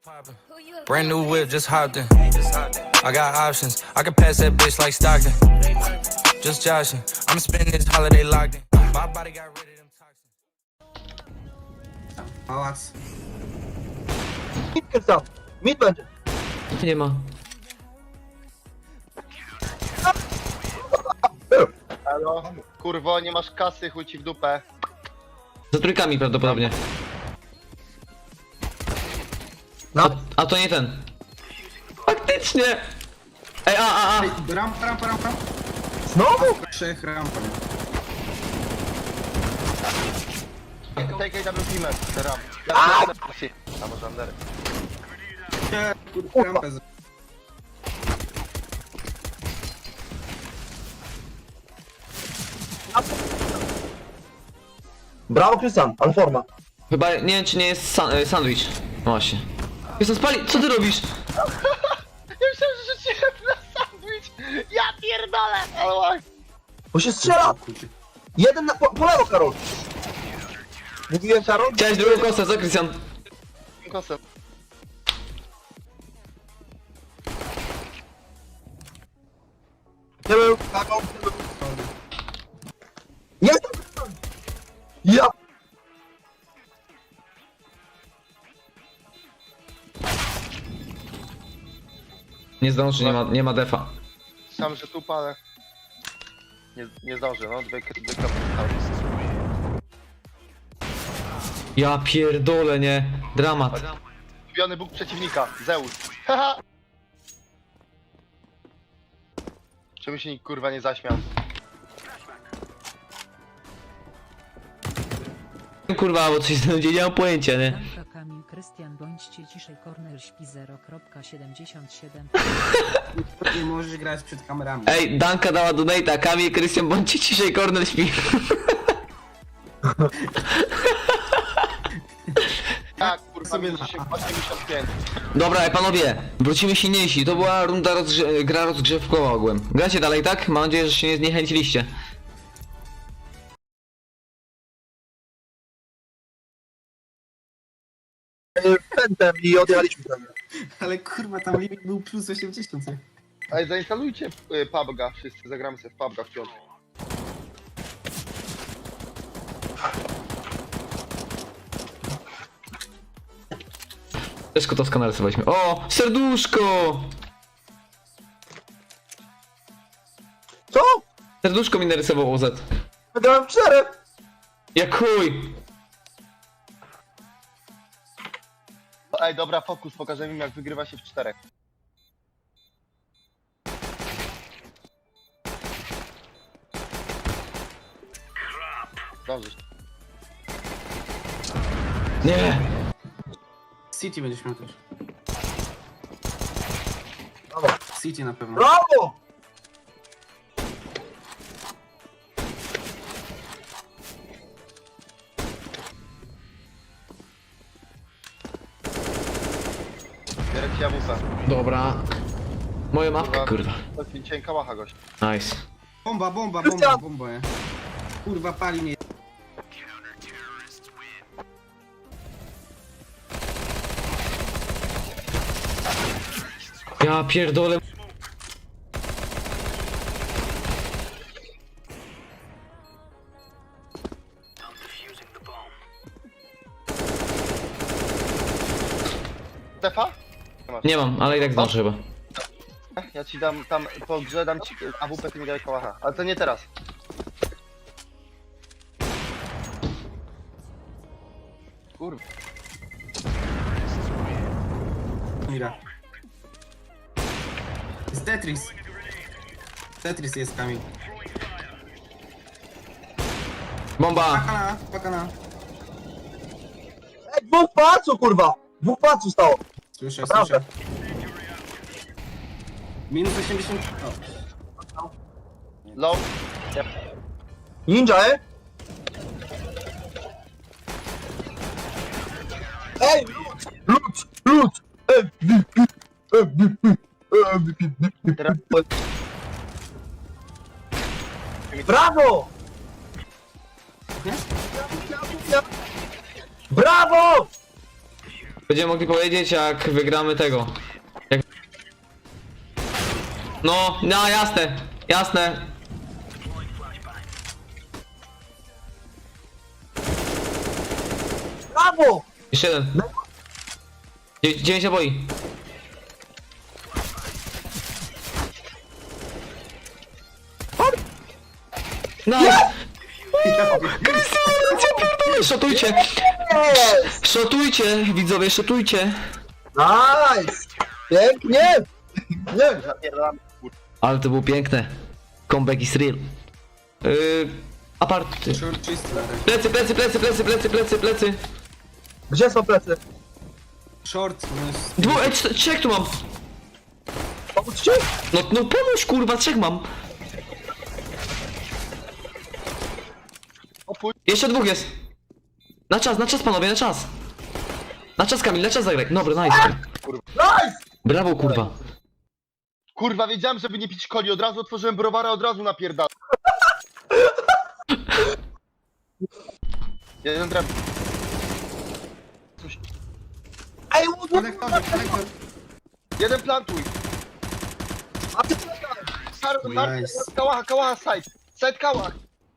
Brand new whip, just hopped in. I got options. I can pass that bitch like Stockton. Just joshing. I'm spending this holiday locked in. My body got rid of them toxins. Pałac. Mid tam. Mid będzie. Nie ma. Halo? Kurwo, nie masz kasy, chuj ci w dupę. Za trójkami prawdopodobnie. No. A to nie ten. Faktycznie! Ej, a. Rampa. Znowu? 3 rampa. Take AW teamer, teraz. A może Andery. Kurwa, rampę. Brawo, Krystian, ale forma. Chyba nie wiem czy nie jest sandwich. No właśnie. Jestem spali, co ty robisz? Ja myślałem, że rzuciłem na sandwich. Ja pierdolę! Ale Bo się strzela! Jeden na po lewo, Karol! Mówiłem, Karol? Chciałeś drugą kosę, co Krystian? kosem. Nie był, Karol. Nie! Ja! Nie zdąży, nie ma defa. Sam, że tu palę. Nie zdążę, no. Dwie kropki. Ja pierdolę, nie. Dramat. Ulubiony bóg przeciwnika, Zeus. Haha! Czemu się nikt kurwa nie zaśmiał? Kurwa, bo coś znajdzie, nie mam pojęcia, nie? Danka Kamil Krystian bądźcie ciszej Corner śpi 0.77. Nie możesz grać przed kamerami. Ej, Danka dała donate'a, Kamil, Krystian, bądźcie ciszej, Cornel śpi. Tak, kurwa, Sobie będzie się 85. Dobra, panowie, wrócimy silniejsi. To była runda gra rozgrzewkowa ogółem. Gracie dalej, tak? Mam nadzieję, że się nie zniechęciliście. Pędem i odjechaliśmy tam. Ale kurwa, tam limit był plus 80. Ej, zainstalujcie PUBG'a, wszyscy zagramy sobie w PUBG'a w piątek. Też to skanalizowaliśmy. O, serduszko! Co? Serduszko mi narysował OZ. Wygrałem 4! Jak chuj! Ej, dobra, fokus, pokażemy im jak wygrywa się w 4. Dobrze. Nie! City będziesz miał też. Brawo! City na pewno. Brawo! Bierę ci jawusa. Dobra. Moja mapka, kurwa. To cienka łacha gość. Nice. Bomba, Krystian! nie? Kurwa, pali mnie. Ja pierdolę. Defa? Nie mam, ale i tak zdążę chyba. Ja ci dam tam po grze, dam ci AWP, ty mi daj kałacha. Ale to nie teraz. Kurwa. Mira. Jest Tetris. Tetris jest, Kamil. Bomba! Pakana. Ej, dwóch pałaców, kurwa! Dwóch pałaców stało! Słyszę. Naprawdę. Minus 80. O. Low. Yep. Ninja, Ej! Lud! MVP! Teraz Brawo! Brawo! Będziemy mogli powiedzieć, jak wygramy tego. No, jasne, jasne. Brawo! Jeszcze jeden. 9 naboi. Nice! Szotujcie! Szotujcie, widzowie, szotujcie! Nice! Pięknie! Nie! Zapierdalam. Ale to było piękne. Comeback is real. Aparty. Short czysty. Plecy. Gdzie są plecy? Short, no jest... Trzech tu mam. Pomóc ci? No pomóż kurwa, trzech mam. Opuść. Jeszcze dwóch jest. Na czas panowie, na czas. Na czas Kamil, na czas zagraj. Dobra, nice. Nice! Brawo kurwa. Kurwa, wiedziałem, żeby nie pić coli. Od razu otworzyłem browara, od razu napierdalam. Jeden traf. Ej, Konektor. Jeden plantuj. a ty Nice. Kałacha, side. Side kałach.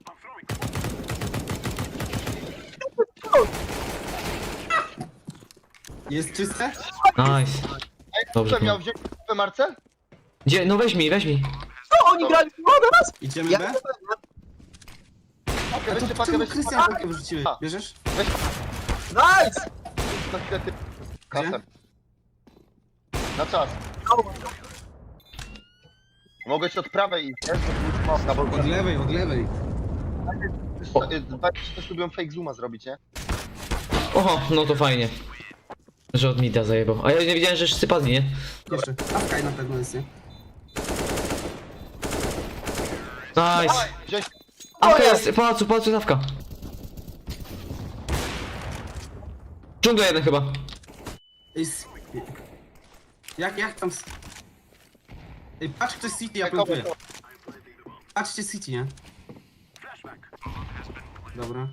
Jest czyste? Nice. Ej, Dobrze, kto miał wziąć w marce? Gdzie? No weź mi. co oni grali w wodę nas? Idziemy Ja B? nie A Weźcie to pakę, czemu weźcie Krystian pakę. pakę wyrzuciłeś? A. Bierzesz? Nice! Na chwilę ty. Kasem. Na czas. Mogę ci od prawej iść, nie? Na Od balkonie. lewej, od lewej. Też lubią fake zooma zrobić, nie? Oho, no to fajnie. Że od mida zajebał. A ja nie wiedziałem, że wszyscy padli, nie? Jeszcze. Awkaj na pewno jest, nie? Nice. Wziąć Awka jest, pałacu jest awka. Dżungla jeden chyba. Jest... Jak tam... Ej, patrz ktoś City, ja plantuję. Patrzcie City, nie? Dobra.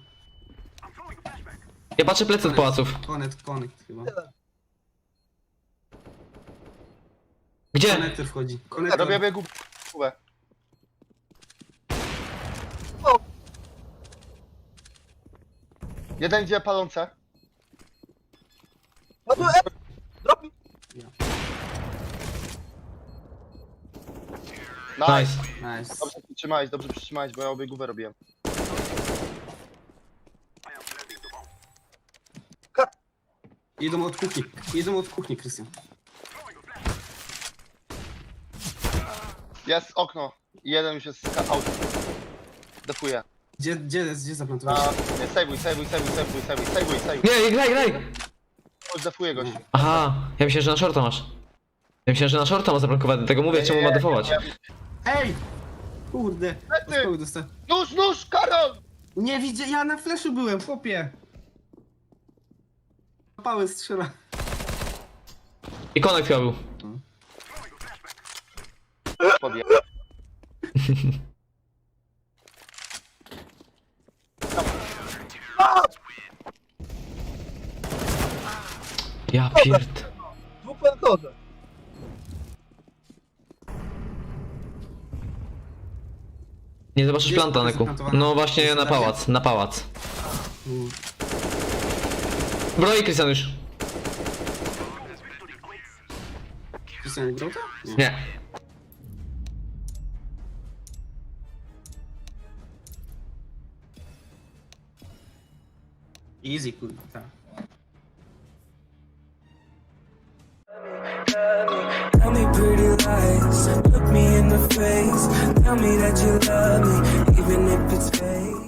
Ja patrzę plecy od pałaców. Connect chyba. Gdzie? Konektor wchodzi. Konektor. robię biegu. Jeden idzie palące. No tu drop mi. Nice. Nice. Dobrze przytrzymałeś, bo ja obiegówę robiłem. Jedą od kuchni, Krystian. Jest okno. Jeden już jest out. Defuję. Gdzie zaplantowałeś? Nie, sejwuj. Nie, graj. Już defuję goś. Aha, ja myślałem, że na shorta masz. Ja myślałem, że na shorta ma zablokowany, tego mówię, czemu ma defować. Ej! Kurde. Lecy! Od kogo dostałem? Nóż, Karol! Nie widzę, ja na flashu byłem, chłopie. Pały strzela. I connect chyba był. Podję. Ja pierd... Dwóch plantorze. Nie zobaczysz Jest planta, Neku. zaplantowany. No właśnie Jest na pałac. Mm. Broi Krystian już. Krystian grał to? Nie. Easy, kurwa, tak. Tell me pretty lies, look me in the face. Tell me that you love me, even if it's fake.